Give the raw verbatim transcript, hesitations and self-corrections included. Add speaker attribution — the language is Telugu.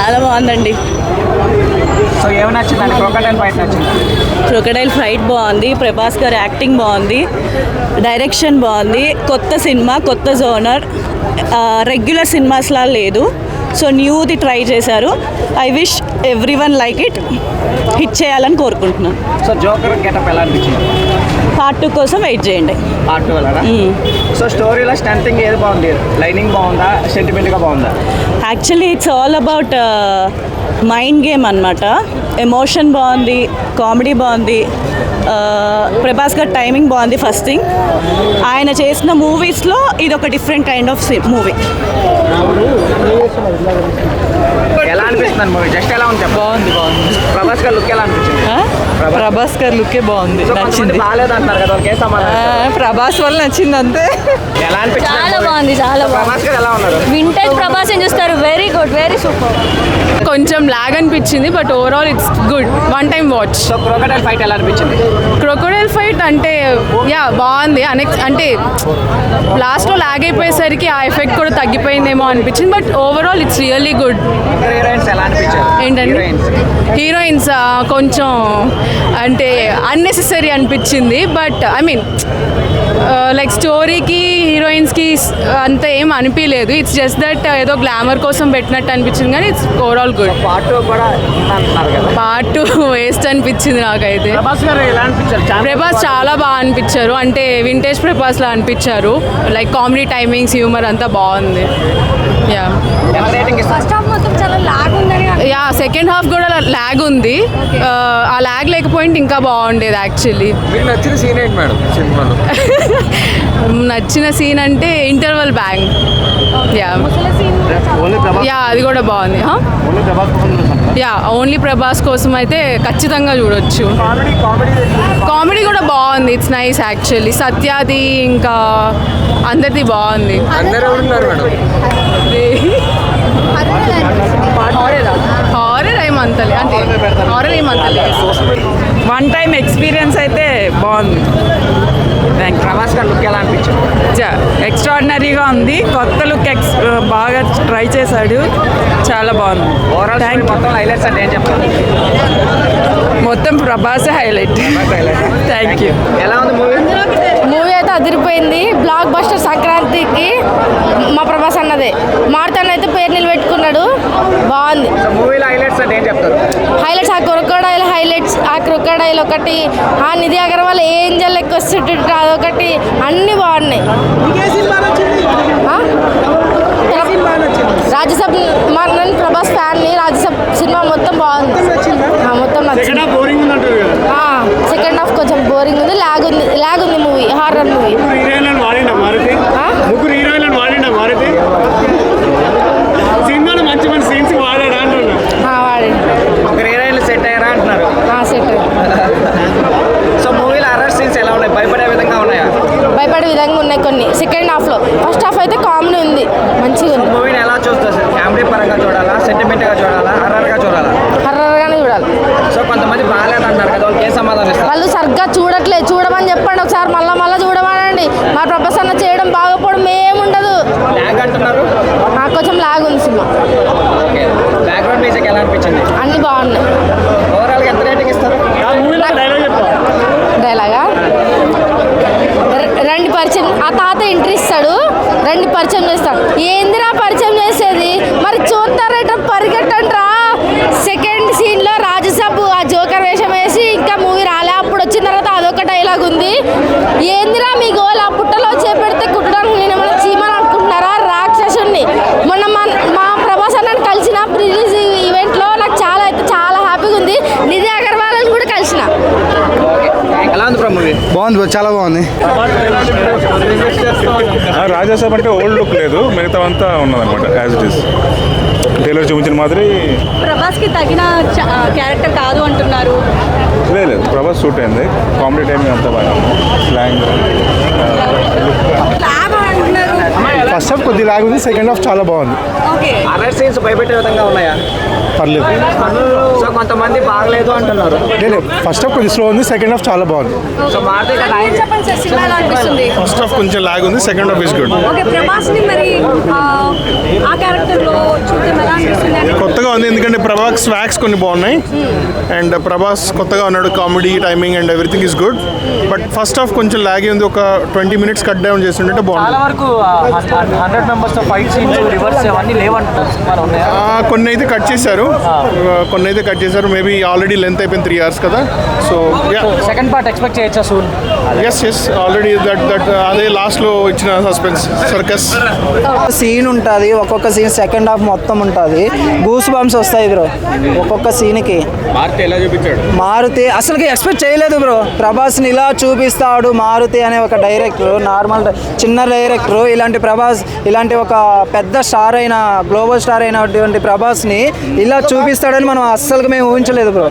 Speaker 1: చాలా బాగుందండి.
Speaker 2: సో ఏమి నచ్చిందండి? క్రొకడైల్ ఫైట్ నచ్చింది.
Speaker 1: క్రొకడైల్ ఫైట్ బాగుంది, ప్రభాస్ గారి యాక్టింగ్ బాగుంది, డైరెక్షన్ బాగుంది, కొత్త సినిమా, కొత్త జోనర్, రెగ్యులర్ సినిమాస్లా లేదు. సో న్యూది ట్రై చేశారు. I wish every one like it, hit చేయాలని కోరుకుంటున్నాను.
Speaker 2: సో జోకర్ గెటప్ ఎలా అనిపించింది?
Speaker 1: పార్ట్ టూ కోసం వెయిట్ చేయండి.
Speaker 2: పార్ట్ టూ వెళ్ళరా? సో స్టోరీలో స్ట్రెంతింగ్ ఏది బాగుంది? లైనింగ్ బాగుందా, సెంటిమెంట్గా బాగుందా?
Speaker 1: Actually it's all about mind game అనమాట. ఎమోషన్ బాగుంది, కామెడీ బాగుంది, ప్రభాస్ గారి టైమింగ్ బాగుంది. ఫస్ట్ థింగ్, ఆయన చేసిన మూవీస్లో ఇది ఒక డిఫరెంట్ కైండ్ ఆఫ్ మూవీ.
Speaker 2: ఎలా అనిపిస్తుంది మూవీ? జస్ట్ ఎలా ఉంది?
Speaker 3: బాగుంది బాగుంది
Speaker 2: ప్రభాస్ గారి లుక్ ఎలా అనిపించింది?
Speaker 3: ప్రభాస్ గారి లుకే బాగుంది, నచ్చింది.
Speaker 2: బాగాలేదు అంటారు కదా, ఒకే సమాధానం.
Speaker 3: ప్రభాస్ వల్ల నచ్చింది అంతే.
Speaker 2: ఎలా అనిపించింది?
Speaker 4: చాలా బాగుంది, చాలా బాగుంది.
Speaker 2: ప్రభాస్ గారు ఎలా ఉన్నారు?
Speaker 4: వింటేజ్ ప్రభాస్ ఏం చూస్తారు, వెరీ గుడ్, వెరీ సూపర్.
Speaker 3: కొంచెం లాగ్ అనిపించింది, but overall it's good, one time watch.
Speaker 2: So crocodile fight ఎలా అనిపించింది?
Speaker 3: క్రొకడైల్ ఫైట్ అంటే యా బాగుంది. అనెక్స్ అంటే లాస్ట్లో లాగ్ అయిపోయేసరికి ఆ ఎఫెక్ట్ కూడా తగ్గిపోయిందేమో అనిపించింది, but overall it's really good.
Speaker 2: Heroines ఎలా అనిపించారు?
Speaker 3: ఏంటండి హీరోయిన్స్ కొంచెం అంటే అన్నెసెసరీ అనిపించింది, బట్ ఐ మీన్ లైక్ స్టోరీకి హీరోయిన్స్కి అంత ఏం అనిపించలేదు. ఇట్స్ జస్ట్ దట్ ఏదో గ్లామర్ కోసం పెట్టినట్టు అనిపించింది, కానీ it's overall good.
Speaker 2: Part two కూడా అంటున్నారు కదా,
Speaker 3: పార్ట్ టూ వేస్ట్ అనిపించింది నాకైతే.
Speaker 2: ప్రభాస్ గారు ఎలా అనిపించారు?
Speaker 3: ప్రభాస్ చాలా బాగా అనిపించారు, అంటే వింటేజ్ ప్రభాస్లా అనిపించారు. లైక్ కామెడీ టైమింగ్స్, హ్యూమర్ అంతా బాగుంది. యా
Speaker 4: ఫస్ట్ హాఫ్ మొత్తం చాలా లాగ్ ఉందని.
Speaker 3: యా సెకండ్ హాఫ్ కూడా ల్యాగ్ ఉంది. ఆ ల్యాగ్ లేకపోయింటే ఇంకా బాగుండేది యాక్చువల్లీ.
Speaker 5: మీకు నచ్చిన సీన్ ఏంటి మేడం సినిమాలో?
Speaker 3: నచ్చిన సీన్ అంటే ఇంటర్వల్ బ్యాంగ్. యా యా అది కూడా బాగుంది. యా ఓన్లీ ప్రభాస్ కోసం అయితే ఖచ్చితంగా చూడొచ్చు. కామెడీ కూడా బాగుంది, ఇట్స్ నైస్ యాక్చువల్లీ. సత్యాది ఇంకా అందరిది బాగుంది.
Speaker 5: అందరూ ఉన్నారు మేడం.
Speaker 3: హారర్ ఏమంతలే, అంటే హారర్ ఏమంతలే.
Speaker 6: వన్ టైం ఎక్స్పీరియన్స్ అయితే బాగుంది. థ్యాంక్
Speaker 2: ప్రభాస్ గారు లుక్ ఎలా అనిపించింది?
Speaker 6: ఎక్స్ట్రాడినరీగా ఉంది, కొత్త లుక్ ఎక్స్ బాగా ట్రై చేశాడు, చాలా బాగుంది.
Speaker 2: ఓవరాల్
Speaker 6: థ్యాంక్
Speaker 2: మొత్తం హైలైట్స్ అంటే ఏం చెప్తారు?
Speaker 6: మొత్తం ప్రభాసే హైలైట్. Thank you.
Speaker 2: ఎలా ఉంది మూవీ?
Speaker 4: మూవీ అయితే అదిరిపోయింది, బ్లాక్ బస్టర్. సంక్రాంతికి మా ప్రభాస్ అన్నదే మారుతాను అయితే పేరు నిలబెట్టుకున్నాడు, బాగుంది.
Speaker 2: సో మూవీలో హైలైట్స్ అంటే ఏం చెప్తారు?
Speaker 4: హైలైట్స్ ఆ క్రొకడైల్ హైలైట్స్, ఆ క్రొకడైల్ ఒకటి, ఆ నిధి అగర్వాల్ ఏంజల్ లెక్క వస్తుంటే అదొకటి, అన్నీ బాగున్నాయి. రాజ్యసభ మా నేను ప్రభాస్ ఫ్యాన్ని, రాజ్యసభ సినిమా మొత్తం బాగుంది, మొత్తం నచ్చింది. సెకండ్ హాఫ్ కొంచెం బోరింగ్ ఉంది, లాగ్ ఉంది, లాగ్ ఉంది మూవీ, హారర్ మూవీ.
Speaker 7: ముగ్గురు హీరోయిన్లను వాడిండా మారుతి? సినిమాలో మంచి మంచి సీన్స్ వాడాడా అంటున్నా.
Speaker 4: వాడి
Speaker 2: ముగ్గురు హీరోయిన్లు సెట్ అయ్యారా అంటున్నారు.
Speaker 4: సెట్.
Speaker 2: సో మూవీలో హర్రర్ సీన్స్ ఎలా ఉన్నాయి? భయపడే విధంగా ఉన్నాయా?
Speaker 4: భయపడే విధంగా ఉన్నాయి కొన్ని సెకండ్ హాఫ్లో. ఫస్ట్ హాఫ్ అయితే కామెడీ ఉంది, మంచిగా ఉంది.
Speaker 2: మూవీని ఎలా చూస్తారు? ఫ్యామిలీ పరంగా చూడాలా, సెంటిమెంట్గా చూడాలా, హర్రర్గా చూడాలా?
Speaker 4: హర్రర్గానే చూడాలి.
Speaker 2: సో కొంతమంది బాగాలేదు అంటారు కదా, వాళ్ళకి ఏ సమాధానం ఇస్తారు?
Speaker 4: వాళ్ళు సరిగ్గా చూడట్లేదు, చూడమని చెప్పండి ఒకసారి, మళ్ళీ మళ్ళీ చూడమనండి. మా ప్రభాస్ అన్న చేయడం బాగోపోవడం ఏముండదు.
Speaker 2: లాగ్ అంటున్నారు,
Speaker 4: కొంచెం లాగ్ ఉంది సినిమా.
Speaker 2: ఓకే. బ్యాక్గ్రౌండ్ మ్యూజిక్ ఎలా అనిపించింది?
Speaker 4: అన్నీ బాగున్నాయి.
Speaker 2: ఓవరాల్గా ఎంత రేటింగ్ ఇస్తారు?
Speaker 4: డైలాగా రండి పరిచయం, ఆ తాత ఎంట్రీ ఇస్తాడు, రండి పరిచయం చేస్తాడు. ఏందిరా పరిచయం చేసేది, మరి చూస్తారట పరిగెట్టండ్రా. సెకండ్ సీన్లో రాజ్యసభ ఆ జోకర్ వేషం వేసి ఇంకా మూవీ రాలే, అప్పుడు వచ్చిన తర్వాత అదొక డైలాగ్ ఉంది. ఏందిరా మీ గోల్, ఆ పుట్టలో చేపెడితే కుట్టడానికి నేను ఏమైనా చీమని అనుకుంటున్నారా, రాక్షసుని. మొన్న మా మా ప్రభాస్ అన్నని కలిసిన రిలీజ్ ఈవెంట్లో నాకు చాలా అయితే చాలా హ్యాపీగా ఉంది. నిధి అగర్వాల్ని కూడా కలిసిన.
Speaker 2: ఎలా ఉంది మూవీ?
Speaker 8: బాగుంది, చాలా బాగుంది.
Speaker 5: రాజాసాబ్ అంటే ఓల్డ్ లుక్ లేదు, మిగతా అంతా ఉన్నదన్నమాట యాజ్ ఇట్ ఈస్. టైలర్ చూపించిన మాదిరి.
Speaker 1: ప్రభాస్కి తగిన క్యారెక్టర్ కాదు అంటున్నారు.
Speaker 5: లేదు, ప్రభాస్ సూట్ అయింది, కామెడీ టైమింగ్ అంతా బాగా స్లాంగ్.
Speaker 8: ఫస్ట్ హాఫ్ కొద్దిగా లాగ్ ఉంది, సెకండ్ హాఫ్ చాలా బాగుంది.
Speaker 2: హర్రర్ సీన్స్ భయపెట్టే విధంగా ఉన్నాయా?
Speaker 8: పర్లేదు.
Speaker 2: సో కొంతమంది బాగలేదు అంటున్నారు.
Speaker 8: లేదు ఫస్ట్ హాఫ్ కొంచెం స్లో ఉంది, సెకండ్ హాఫ్ చాలా బాగుంది.
Speaker 2: సో మారుతి కదా
Speaker 4: చెప్పండి సార్ సినిమా ఎలా అనిపిస్తుంది?
Speaker 5: ఫస్ట్ హాఫ్ కొంచెం లాగ్ ఉంది, second half is good.
Speaker 4: Okay ప్రభాస్ని మరి ఆ, ఆ క్యారెక్టర్లో చూద్దాం ఎలా అనిపిస్తుంది అని
Speaker 5: కొత్తగా ఉంది ఎందుకంటే ప్రభాస్ స్వాక్స్ కొన్ని బాగున్నాయి అండ్ ప్రభాస్ కొత్తగా ఉన్నాడు, comedy timing and everything is good. But first half కొంచెం లాగే ఉంది, ఒక ట్వంటీ మినిట్స్ కట్ డౌన్ చేస్తుంటే
Speaker 2: చాలా
Speaker 5: బాగుంది.
Speaker 2: వరకు hundred members fight scenes rivers అవన్నీ లేవంటున్నారు సినిమాలో ఉన్నాయా?
Speaker 5: ఆ, కొన్ని అయితే కట్ చేశారు, ఆ, కొన్ని అయితే కట్ చేశారు. మేబీ ఆల్రెడీ లెంత్ అయిపోయింది త్రీ అవర్స్ కదా. సో
Speaker 2: సెకండ్ పార్ట్ ఎక్స్పెక్ట్ చేయొచ్చా soon?
Speaker 5: Yes yes already that that అదే లాస్ట్లో ఇచ్చిన సస్పెన్స్ సర్కస్.
Speaker 9: సీన్ ఉంటుంది, ఒక్కొక్క సీన్ సెకండ్ హాఫ్ మొత్తం ఉంటుంది, గూస్ బంప్స్ వస్తాయి బ్రో ఒక్కొక్క సీన్కి.
Speaker 2: మారుతి ఎలా చూపించాడు?
Speaker 9: మారుతి అసలుకి ఎక్స్పెక్ట్ చేయలేదు బ్రో, ప్రభాస్ని ఇలా చూపిస్తాడు మారుతి అనే ఒక డైరెక్టర్, నార్మల్ చిన్న డైరెక్టర్ ఇలాంటి ప్రభాస్ ఇలాంటి ఒక పెద్ద స్టార్ అయిన గ్లోబల్ స్టార్ అయినటువంటి ప్రభాస్ని ఇలా చూపిస్తాడని మనం అస్సలుకి మేము ఊహించలేదు బ్రో.